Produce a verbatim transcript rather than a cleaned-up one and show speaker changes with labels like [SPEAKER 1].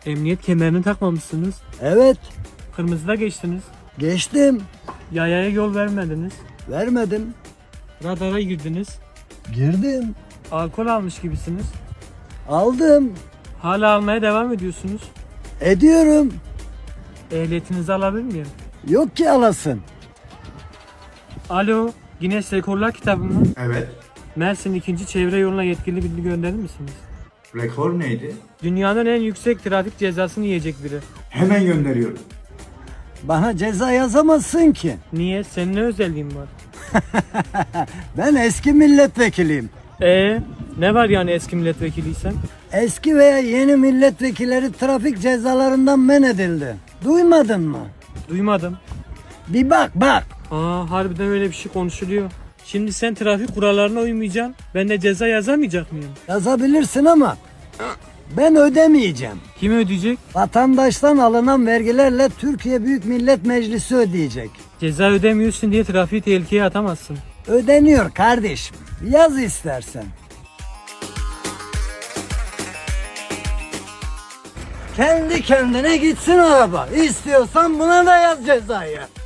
[SPEAKER 1] Emniyet kemerini takmamışsınız.
[SPEAKER 2] Evet,
[SPEAKER 1] Kırmızıda geçtiniz.
[SPEAKER 2] geçtim.
[SPEAKER 1] Yayaya yol vermediniz.
[SPEAKER 2] Vermedim.
[SPEAKER 1] Radara girdiniz.
[SPEAKER 2] Girdim.
[SPEAKER 1] Alkol almış gibisiniz.
[SPEAKER 2] Aldım.
[SPEAKER 1] Hala almaya devam ediyorsunuz.
[SPEAKER 2] Ediyorum.
[SPEAKER 1] Ehliyetinizi alabilir miyim?
[SPEAKER 2] Yok ki alasın.
[SPEAKER 1] Alo, Guinness Rekorlar kitabı mı?
[SPEAKER 3] Evet.
[SPEAKER 1] Mersin ikinci çevre yoluna yetkili bilgi gönderir misiniz?
[SPEAKER 3] Rekor neydi?
[SPEAKER 1] Dünyanın en yüksek trafik cezasını yiyecek biri.
[SPEAKER 3] Hemen gönderiyorum.
[SPEAKER 2] Bana ceza yazamazsın ki.
[SPEAKER 1] Niye? Senin ne özelliğin var?
[SPEAKER 2] Ben eski milletvekiliyim.
[SPEAKER 1] Ee, ne var yani eski milletvekiliysen?
[SPEAKER 2] Eski veya yeni milletvekilleri trafik cezalarından men edildi. Duymadın mı?
[SPEAKER 1] Duymadım.
[SPEAKER 2] Bir bak bak.
[SPEAKER 1] Aa, harbiden öyle bir şey konuşuluyor. Şimdi sen trafik kurallarına uymayacaksın. Ben de ceza yazamayacak mıyım?
[SPEAKER 2] Yazabilirsin ama ben ödemeyeceğim.
[SPEAKER 1] Kim ödeyecek?
[SPEAKER 2] Vatandaştan alınan vergilerle Türkiye Büyük Millet Meclisi ödeyecek.
[SPEAKER 1] Ceza ödemiyorsun diye trafiği tehlikeye atamazsın.
[SPEAKER 2] Ödeniyor kardeşim. Yaz istersen. Kendi kendine gitsin araba. İstiyorsan buna da yaz cezayı.